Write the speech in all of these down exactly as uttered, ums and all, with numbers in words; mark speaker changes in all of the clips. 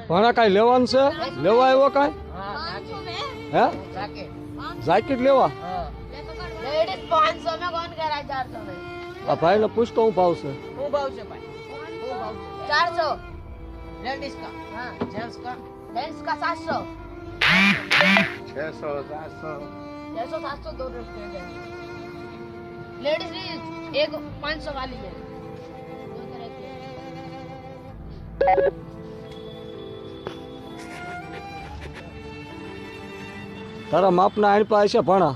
Speaker 1: ભણા કાંઈ લેવાનું છે? લેવા આવ્યો કાંઈ? હે જાકેટ લેવા?
Speaker 2: लेडीज पाँच सौ में, कौन कह रहा है चार सौ में?
Speaker 1: આ ભાઈને પૂછતો હું ભાવ છે.
Speaker 2: वो भाव से भाई, वो भाव से चार सौ लेडीज का, हाँ जेंट्स का, जेंट्स का सात सौ,
Speaker 3: छह सौ सात सौ
Speaker 2: छह सौ सात सौ दो रुपये लेडीज एक पाँच सौ वाली है, दो तरह की है।
Speaker 1: તારા માપના આણ પાસે છે ભણા?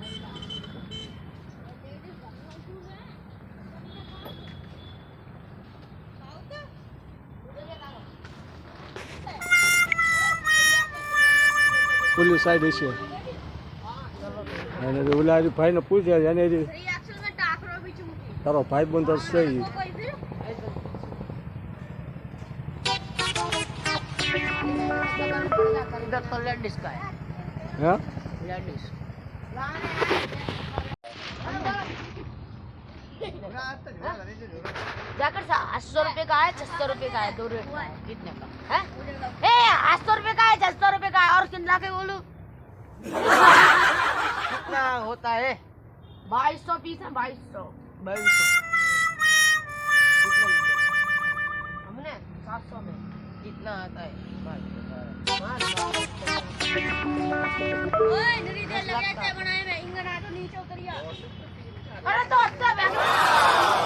Speaker 1: પુલી સાઈડ છે અને ઓલા ભાઈને પૂછે એને તારો ભાઈ બંધ છે ઈ.
Speaker 2: इधर तो लेडीज का है,
Speaker 1: હે
Speaker 2: लेडीज जाकर आठ सौ रुपए का है, छह सौ रुपए का है, दो रेट का है, कितने का है? ए आठ सौ रुपए का है, छह सौ रुपए का है, और कितना के बोलूं? कितना होता है? बाईस सौ पीस है, बाईस सौ बाईस सौ हमने सात सौ में कितना आता है? ओए नरी दे लगाते बनाए में इंगना तो नीचे उतरिया। अरे तो अच्छा